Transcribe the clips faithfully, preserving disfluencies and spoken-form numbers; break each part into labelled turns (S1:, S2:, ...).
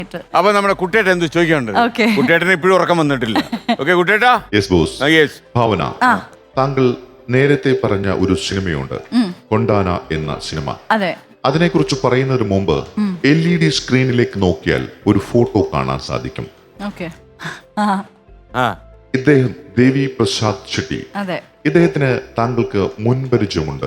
S1: അപ്പൊ നമ്മുടെ കുട്ടേട്ടൻ എന്ത് ചോദിക്കാനുണ്ട്? കുട്ടേട്ടന് ഇപ്പോഴും ഉറക്കം വന്നിട്ടില്ല. ഓക്കെ കുട്ടേട്ടാ.
S2: ഭാവന, താങ്കൾ നേരത്തെ പറഞ്ഞ ഒരു സിനിമയുണ്ട്, കൊണ്ടാന എന്ന സിനിമ.
S3: അതെ.
S2: അതിനെക്കുറിച്ച് പറയുന്നതിന് മുമ്പ് എൽ ഇ ഡി സ്ക്രീനിലേക്ക് നോക്കിയാൽ ഒരു ഫോട്ടോ കാണാൻ സാധിക്കും. ഇദ്ദേഹം ദേവി പ്രസാദ് ഷെട്ടി. ഇദ്ദേഹത്തിന് താങ്കൾക്ക് മുൻപരിചയമുണ്ട്?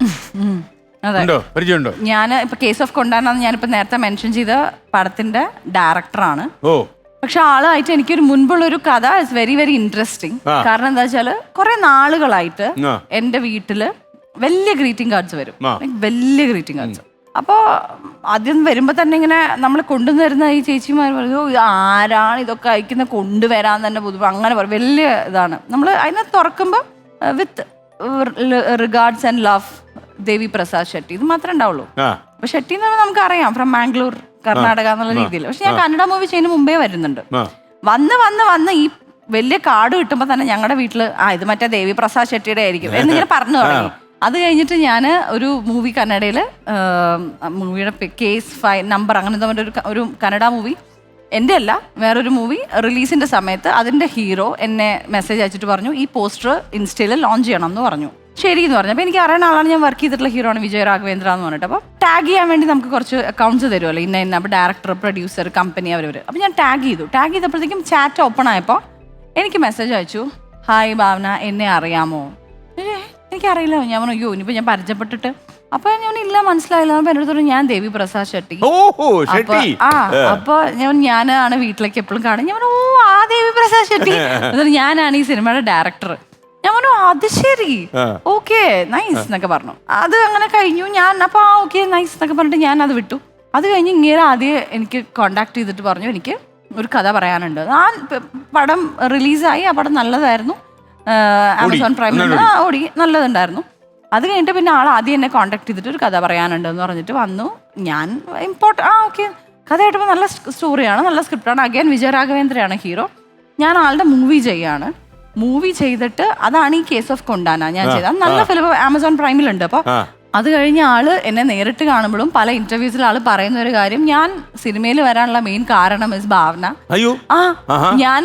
S3: ഞാൻ ഇപ്പൊ കേസ് ഓഫ് കൊണ്ടാന ഞാനിപ്പോ നേരത്തെ മെൻഷൻ ചെയ്ത പടത്തിന്റെ ഡയറക്ടറാണ്. പക്ഷെ ആളായിട്ട് എനിക്കൊരു മുൻപുള്ള ഒരു കഥ ഇസ് വെരി വെരി ഇൻട്രസ്റ്റിംഗ്. കാരണം എന്താ വെച്ചാല് കുറെ നാളുകളായിട്ട് എന്റെ വീട്ടില് വലിയ ഗ്രീറ്റിംഗ് കാർഡ്സ് വരും, വലിയ ഗ്രീറ്റിംഗ് കാർഡ്സ്. അപ്പോ ആദ്യം വരുമ്പോ തന്നെ ഇങ്ങനെ നമ്മൾ കൊണ്ടുവരുന്ന ഈ ചേച്ചിമാർ പറയും, ആരാണ് ഇതൊക്കെ അയക്കുന്ന, കൊണ്ടുവരാൻ തന്നെ പൊതുവെ അങ്ങനെ പറയും. വലിയ ഇതാണ്. നമ്മൾ അതിനെ തുറക്കുമ്പോ with regards and love Devi Prasad Shetty, ഇത് മാത്രമേ ഉണ്ടാവുള്ളൂ. അപ്പൊ ഷെട്ടി എന്ന് പറഞ്ഞാൽ നമുക്ക് അറിയാം, ഫ്രം മാംഗ്ലൂർ കർണാടക എന്നുള്ള രീതിയിൽ. പക്ഷെ ഞാൻ കന്നഡ മൂവി ചെയ്യുന്ന മുമ്പേ വരുന്നുണ്ട്. വന്ന് വന്ന് വന്ന് ഈ വലിയ കാർഡ് കിട്ടുമ്പോ തന്നെ ഞങ്ങളുടെ വീട്ടില് ആ ഇത് മറ്റേ ദേവി പ്രസാദ് ഷെട്ടിയുടെ ആയിരിക്കും എന്നിങ്ങനെ പറഞ്ഞു തുടങ്ങി. അത് കഴിഞ്ഞിട്ട് ഞാൻ ഒരു മൂവി കന്നഡയില് മൂവിയുടെ കേസ് ഫൈ നമ്പർ അങ്ങനെ ഒരു ഒരു കന്നഡ മൂവി, എൻ്റെ അല്ല വേറൊരു മൂവി റിലീസിന്റെ സമയത്ത് അതിന്റെ ഹീറോ എന്നെ മെസ്സേജ് അയച്ചിട്ട് പറഞ്ഞു ഈ പോസ്റ്റർ ഇൻസ്റ്റയിൽ ലോഞ്ച് ചെയ്യണം എന്ന് പറഞ്ഞു. ശരി എന്ന് പറഞ്ഞു. അപ്പോൾ എനിക്ക് അറിയുന്ന ആളാണ്, ഞാൻ വർക്ക് ചെയ്തിട്ടുള്ള ഹീറോ ആണ് വിജയ രാഘവേന്ദ്ര എന്ന് പറഞ്ഞിട്ട്. അപ്പോൾ ടാഗ് ചെയ്യാൻ വേണ്ടി നമുക്ക് കുറച്ച് അക്കൗണ്ട്സ് തരുമല്ലോ, ഇന്ന ഇന്ന. അപ്പോൾ ഡയറക്ടർ, പ്രൊഡ്യൂസർ, കമ്പനി അവരവർ. അപ്പോൾ ഞാൻ ടാഗ് ചെയ്തു. ടാഗ് ചെയ്തപ്പോഴത്തേക്കും ചാറ്റ് ഓപ്പൺ ആയപ്പോൾ എനിക്ക് മെസ്സേജ് അയച്ചു, ഹായ് ഭാവന, എന്നെ അറിയാമോ? എനിക്കറിയില്ല. ഞാൻ പറഞ്ഞു അയ്യോ ഇനിയിപ്പോൾ ഞാൻ പരിചയപ്പെട്ടിട്ട്. അപ്പൊ ഞാൻ ഇല്ല മനസ്സിലായില്ല. അപ്പൊ എന്നോട് പറഞ്ഞു ഞാൻ ദേവി പ്രസാദ് ഷെട്ടി. അപ്പൊ ആ അപ്പൊ ഞാൻ ഞാനാണ് വീട്ടിലേക്ക് എപ്പോഴും കാണും. ഞാൻ പറഞ്ഞു ഓ ആ ദേവി പ്രസാദ് ഷെട്ടി, ഞാനാണ് ഈ സിനിമയുടെ ഡയറക്ടർ. ഞാൻ പറഞ്ഞു അത് ശരി, ഓക്കെ നൈസ് എന്നൊക്കെ പറഞ്ഞു. അത് അങ്ങനെ കഴിഞ്ഞു. ഞാൻ അപ്പൊ ആ ഓക്കെ നൈസ് എന്നൊക്കെ പറഞ്ഞിട്ട് ഞാൻ അത് വിട്ടു. അത് കഴിഞ്ഞ് ഇങ്ങനെ ആദ്യം എനിക്ക് കോണ്ടാക്ട് ചെയ്തിട്ട് പറഞ്ഞു എനിക്ക് ഒരു കഥ പറയാനുണ്ട്. ആ പടം റിലീസായി, ആ പടം നല്ലതായിരുന്നു, ആമസോൺ പ്രൈമിൽ ഓടി, നല്ലതുണ്ടായിരുന്നു. അത് കഴിഞ്ഞിട്ട് പിന്നെ ആൾ ആദ്യം എന്നെ കോണ്ടാക്ട് ചെയ്തിട്ട് ഒരു കഥ പറയാനുണ്ട് എന്ന് പറഞ്ഞിട്ട് വന്നു. ഞാൻ ഇമ്പോർട്ടൻ ആ ഓക്കെ കഥ കേട്ടപ്പോൾ നല്ല സ്റ്റോറിയാണ്, നല്ല സ്ക്രിപ്റ്റാണ്. അഗൈൻ വിജയ രാഘവേന്ദ്രയാണ് ഹീറോ. ഞാൻ ആളുടെ മൂവി ചെയ്യാണ്. മൂവി ചെയ്തിട്ട് അതാണ് ഈ കേസ് ഓഫ് കൊണ്ടാന ഞാൻ ചെയ്തത്. നല്ല ഫിലിം ആമസോൺ പ്രൈമിലുണ്ട്. അപ്പോൾ അത് കഴിഞ്ഞ ആള് എന്നെ നേരിട്ട് കാണുമ്പോഴും പല ഇന്റർവ്യൂസിൽ ആള് പറയുന്ന ഒരു കാര്യം, ഞാൻ സിനിമയിൽ വരാനുള്ള മെയിൻ കാരണം ഇസ് ഭാവന.
S1: അയ്യോ
S3: ആ ഞാന്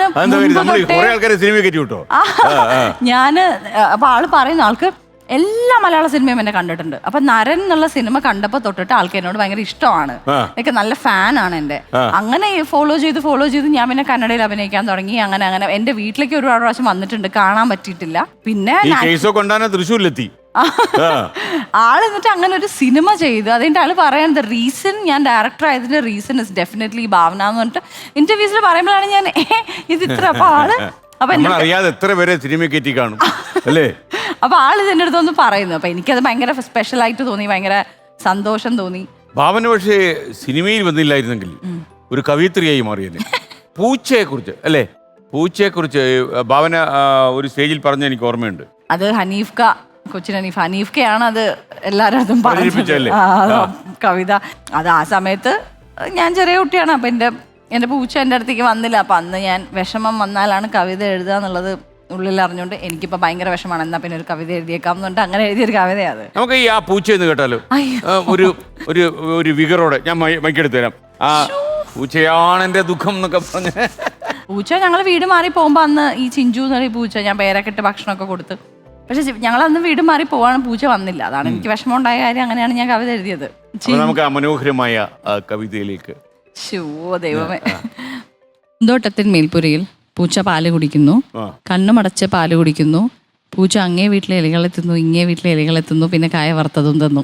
S3: ഞാന് അപ്പൊ ആള് പറയുന്ന ആൾക്ക് എല്ലാ മലയാള സിനിമയും എന്നെ കണ്ടിട്ടുണ്ട്. അപ്പൊ നരൻ എന്നുള്ള സിനിമ കണ്ടപ്പോ തൊട്ടിട്ട് ആൾക്ക് എന്നോട് ഭയങ്കര ഇഷ്ടമാണ്, എനിക്ക് നല്ല ഫാനാണ് എന്റെ. അങ്ങനെ ഫോളോ ചെയ്ത് ഫോളോ ചെയ്ത് ഞാൻ പിന്നെ കന്നഡയിൽ അഭിനയിക്കാൻ തുടങ്ങി. അങ്ങനെ അങ്ങനെ എന്റെ വീട്ടിലേക്ക് ഒരുപാട് പ്രാവശ്യം വന്നിട്ടുണ്ട്, കാണാൻ പറ്റിയിട്ടില്ല. പിന്നെ
S1: തൃശ്ശൂരിലെത്തി
S3: ആള് എന്നിട്ട് അങ്ങനെ ഒരു സിനിമ ചെയ്ത് അതിന്റെ ആള് പറയുന്നത് റീസൺ, ഞാൻ ഡയറക്ടർ ആയതിന്റെ റീസൺ ഇസ് ഡെഫിനറ്റ്ലി ഭാവന എന്ന് പറഞ്ഞിട്ട് ഇന്റർവ്യൂസിൽ പറയുമ്പോഴാണ് ഞാൻ ഇത് ഇത്ര. അപ്പൊ ആള് അപ്പൊ
S1: അറിയാതെ എത്ര പേരെ സിനിമ കയറ്റി കാണും അല്ലേ.
S3: അപ്പൊ ആള് ഇതിന്റെ അടുത്തൊന്ന് പറയുന്നു. അപ്പൊ എനിക്കത് ഭയങ്കര സ്പെഷ്യൽ ആയിട്ട് തോന്നി, ഭയങ്കര സന്തോഷം തോന്നി.
S1: ഭാവന പക്ഷേ സിനിമയിൽ വന്നില്ലായിരുന്നെങ്കിൽ ഒരു കവിയത്രിയായി മാറിയല്ലേ. പൂച്ചയെ കുറിച്ച് അല്ലേ, പൂച്ചയെ കുറിച്ച് ഭാവന ഒരു സ്റ്റേജിൽ പറഞ്ഞ എനിക്ക് ഓർമ്മയുണ്ട്.
S3: അത് ഹനീഫ്ക, കൊച്ചിൻ ഹനീഫ് ഹനീഫ്കയാണ് അത് എല്ലാവരും അതും പറഞ്ഞില്ലേ കവിത. അത് ആ സമയത്ത് ഞാൻ ചെറിയ കുട്ടിയാണ്. അപ്പൊ എന്റെ എന്റെ പൂച്ച എൻ്റെ അടുത്തേക്ക് വന്നില്ല. അപ്പൊ അന്ന് ഞാൻ വിഷമം വന്നാലാണ് കവിത എഴുതുക എന്നുള്ളത് ഉള്ളിൽ അറിഞ്ഞുകൊണ്ട് എനിക്കിപ്പോ ഭയങ്കര വിഷമാണ്. എന്നാ പിന്നെ ഒരു കവിത എഴുതിയേക്കാം എന്നുണ്ട് അങ്ങനെ എഴുതിയൊരു കവിതയാണ്.
S1: നമുക്ക് ഈ ആ പൂച്ച എന്ന് കേട്ടാലോ, ഒരു ഒരു ഒരു വികറോടെ ഞാൻ മൈക്കെടുത്ത് തരാം. ആ പൂച്ചയാണ് എന്റെ ദുഃഖം എന്നൊക്കെ പറഞ്ഞ
S3: പൂച്ച. ഞങ്ങൾ വീട് മാറി പോകുമ്പോ അന്ന് ഈ ചിഞ്ചു എന്നൊരു പൂച്ച ഞാൻ പേരൊക്കെ ഇട്ട് ഭക്ഷണമൊക്കെ കൊടുത്ത്, പക്ഷെ ഞങ്ങൾ അന്ന് വീട് മാറി പോവാണ്, പൂച്ച വന്നില്ല. അതാണ് എനിക്ക് വിഷമം ഉണ്ടായ കാര്യം. അങ്ങനെയാണ് ഞാൻ കവിത എഴുതിയത്.
S1: നമുക്ക് ആ മനോഹരമായ കവിതയിലേക്ക്.
S3: ശോ ദൈവമേ. പൂന്തോട്ടത്തിൻ മേൽപ്പുരയിൽ പൂച്ച പാല് കുടിക്കുന്നു, കണ്ണുമടച്ച് പാല് കുടിക്കുന്നു. പൂച്ച അങ്ങേ വീട്ടിലെ ഇലകളെത്തുന്നു, ഇങ്ങേ വീട്ടിലെ ഇലകളെത്തുന്നു, പിന്നെ കായ വറുത്തതും തന്നു.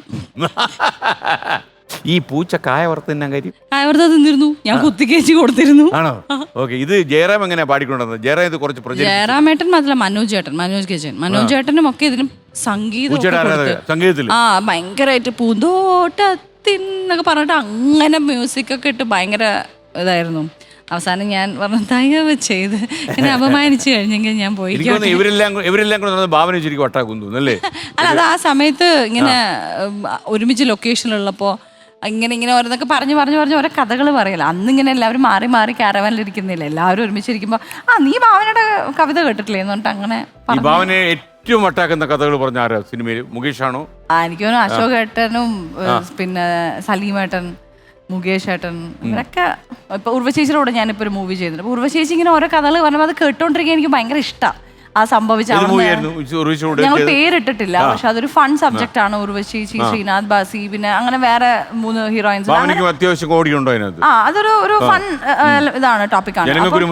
S1: ഈ പൂച്ച കായ വറുത്ത കാര്യം
S3: കായ വറുത്ത തിന്നിരുന്നു, ഞാൻ കുത്തിക്കേച്ചി കൊടുത്തിരുന്നു.
S1: ആണോ? ഓക്കെ. ഇത് ജയറാം എങ്ങനെ പാടിക്കൊണ്ടത്? ജയറാം ഇത് കുറച്ച്
S3: ജയറാമേട്ടൻ മാത്രമല്ല, മനോജ് ചേട്ടൻ, മനോജ് കേച്ചൻ, മനോജ് ചേട്ടനും ഒക്കെ ഇതിനും സംഗീതം
S1: സംഗീതത്തിൽ ആ
S3: ഭയങ്കരമായിട്ട് പൂന്തോട്ടത്തിൻ എന്നൊക്കെ പറഞ്ഞിട്ട് അങ്ങനെ മ്യൂസിക് ഒക്കെ ഇട്ട് ഭയങ്കര ഇതായിരുന്നു. അവസാനം ഞാൻ പറഞ്ഞു തയ്യവ് ചെയ്ത് എന്നെ അപമാനിച്ചു കഴിഞ്ഞെങ്കിൽ ഞാൻ പോയി. അല്ല അത് ആ സമയത്ത് ഇങ്ങനെ ഒരുമിച്ച് ലൊക്കേഷനിലുള്ളപ്പോ ഇങ്ങനെ ഇങ്ങനെ ഓരോന്നൊക്കെ പറഞ്ഞു പറഞ്ഞു പറഞ്ഞ് ഓരോ കഥകൾ പറയല. അന്നിങ്ങനെ എല്ലാവരും മാറി മാറി കാരവാനിലിരിക്കുന്നില്ല, എല്ലാവരും ഒരുമിച്ചിരിക്കുമ്പോ ആ നീ ഭാവനയുടെ കവിത കേട്ടിട്ടില്ലേ എന്ന് പറഞ്ഞിട്ട് അങ്ങനെ
S1: ഏറ്റവും വട്ടാക്കുന്ന കഥകൾ പറഞ്ഞ ആരാ സിനിമയിൽ? മുകേഷ് ആണോ?
S3: ആ എനിക്ക് തോന്നുന്നു അശോക് ഏട്ടനും പിന്നെ സലീമേട്ടൻ, മുകേഷ് ഏട്ടൻ ഇവരൊക്കെ ഇപ്പൊ ഉർവശേച്ചിയുടെ കൂടെ ഞാനിപ്പോ ഒരു മൂവി ചെയ്യുന്നുണ്ട്. അപ്പൊ ഉർവശേച്ചി ഇങ്ങനെ ഓരോ കഥകൾ പറയുമ്പോൾ അത് കേട്ടോണ്ടിരിക്കാൻ എനിക്ക് ഭയങ്കര ഇഷ്ടം. ആ സംഭവിച്ച ഞങ്ങൾ പേരിട്ടിട്ടില്ല, പക്ഷെ അതൊരു ഫൺ സബ്ജക്റ്റ് ആണ്. ഉർവശേച്ചി, ശ്രീനാഥ് ബാസി, പിന്നെ അങ്ങനെ വേറെ മൂന്ന് ഹീറോയിൻസ്.
S1: അത്യാവശ്യം കോടി ഉണ്ടോ അതിനകത്ത്?
S3: ആ അതൊരു ഒരു ഫൺ ഇതാണ്, ടോപ്പിക്കാണ്.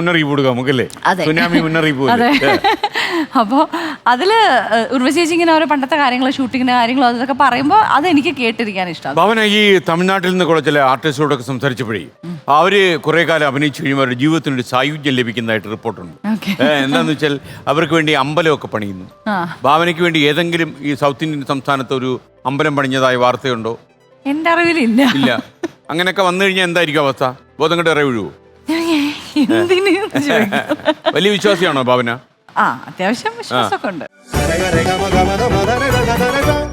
S3: അതെ. അപ്പോ അതില് ഉർവശേച്ചി ഇങ്ങനെ ഓരോ പണ്ടത്തെ കാര്യങ്ങൾ, ഷൂട്ടിങ്ങിന്റെ കാര്യങ്ങളും അതൊക്കെ പറയുമ്പോൾ അത് എനിക്ക് കേട്ടിരിക്കാൻ ഇഷ്ടം.
S1: ഭാവന, ഈ തമിഴ്നാട്ടിൽ നിന്ന് കുറെ ചില ആർട്ടിസ്റ്റോടൊക്കെ സംസാരിച്ചപ്പോഴേ അവര് കുറെ കാലം അഭിനയിച്ചു കഴിയുമ്പോൾ അവരുടെ ജീവിതത്തിന് ഒരു സായുജ്യം ലഭിക്കുന്നതായിട്ട് റിപ്പോർട്ടുണ്ട്. എന്താന്ന് വെച്ചാൽ അവർക്ക് വേണ്ടി അമ്പലമൊക്കെ പണിയുന്നു. ഭാവനയ്ക്ക് വേണ്ടി ഏതെങ്കിലും ഈ സൗത്ത് ഇന്ത്യൻ സംസ്ഥാനത്ത് ഒരു അമ്പലം പണിഞ്ഞതായ വാർത്തയുണ്ടോ?
S3: എന്റെ അറിവിലില്ല.
S1: ഇല്ല. അങ്ങനെയൊക്കെ വന്നു കഴിഞ്ഞാൽ എന്തായിരിക്കും അവസ്ഥ? ബോധം കണ്ട് ഇറ വീഴുവോ? വലിയ വിശ്വാസിയാണോ ഭാവന?
S3: ആ, അത്യാവശ്യം വിശ്വാസമൊക്കെ ഉണ്ട്.